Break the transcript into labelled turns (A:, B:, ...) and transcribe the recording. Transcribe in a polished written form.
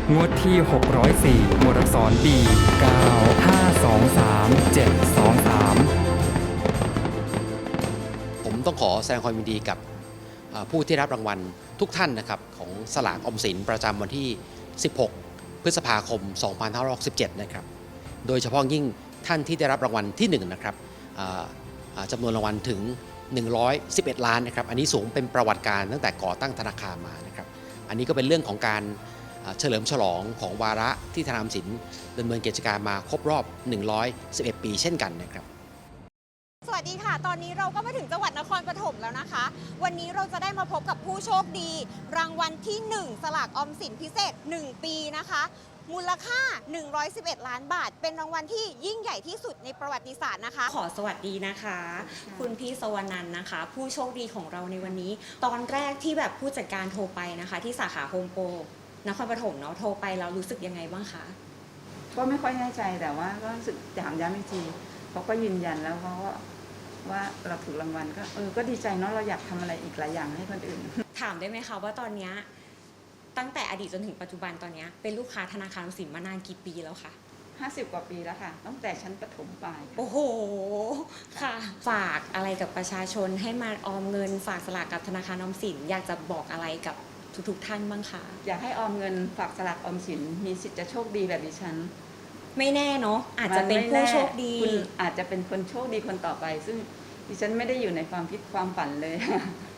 A: งวดที่ 604 หมวดอักษร B 9 5 2 3 7 2 3
B: ผมต้องขอแสดงความยินดีกับผู้ที่รับรางวัลทุกท่านนะครับของสลากออมสินประจำวันที่ 16 พฤษภาคม 2567 นะครับโดยเฉพาะยิ่งท่านที่ได้รับรางวัลที่1นะครับจำนวนรางวัลถึง 111 ล้านนะครับอันนี้สูงเป็นประวัติการตั้งแต่ก่อตั้งธนาคารมานะครับอันนี้ก็เป็นเรื่องของการเฉลิมฉลองของวาระที่ธนาคารออมสินดำเนินกิจการมาครบรอบ 111 ปีเช่นกันนะครับ
C: สวัสดีค่ะตอนนี้เราก็มาถึงจังหวัดนครปฐมแล้วนะคะวันนี้เราจะได้มาพบกับผู้โชคดีรางวัลที่1สลากออมสินพิเศษ1ปีนะคะมูลค่า111 ล้านบาทเป็นรางวัลที่ยิ่งใหญ่ที่สุดในประวัติศาสตร์นะคะ
D: ขอสวัสดีนะคะคุณพี่สวรรณันท์นะคะผู้โชคดีของเราในวันนี้ตอนแรกที่แบบผู้จัดการโทรไปนะคะที่สาขาโฮมโปรนครปฐมเนาะโทรไปแล้วรู้สึกยังไงบ้างคะ
E: ก็ไม่ค่อยแน่ใจแต่ว่าก็รู้สึกถามย้ำอีกทีเขาก็ยืนยันแล้วเขาก็ว่าเราถูกรางวัลก็ดีใจเนาะเราอยากทำอะไรอีกหลายอย่างให้คนอื่น
D: ถามได้ไหมคะว่าตอนนี้ตั้งแต่อดีตจนถึงปัจจุบันตอนนี้เป็นลูกค้าธนาคารออมสินมานานกี่ปีแล้วคะ
E: 50 กว่าปีแล้วค่ะตั้งแต่ชั้นประถมปลาย
D: โอ้โหค่ะฝากอะไรกับประชาชนให้มาออมเงินฝากสลากกับธนาคารออมสินอยากจะบอกอะไรกับทุกท่านบ้างคะ
E: อยากให้ออมเงินฝากสลากออมสินมีสิทธิ์จะโชคดีแบบดิฉัน
D: ไม่แน่เนาะอาจจะเป็นผู้โชคดี
E: คุณอาจจะเป็นคนโชคดีคนต่อไปซึ่งดิฉันไม่ได้อยู่ในความคิดความฝันเลย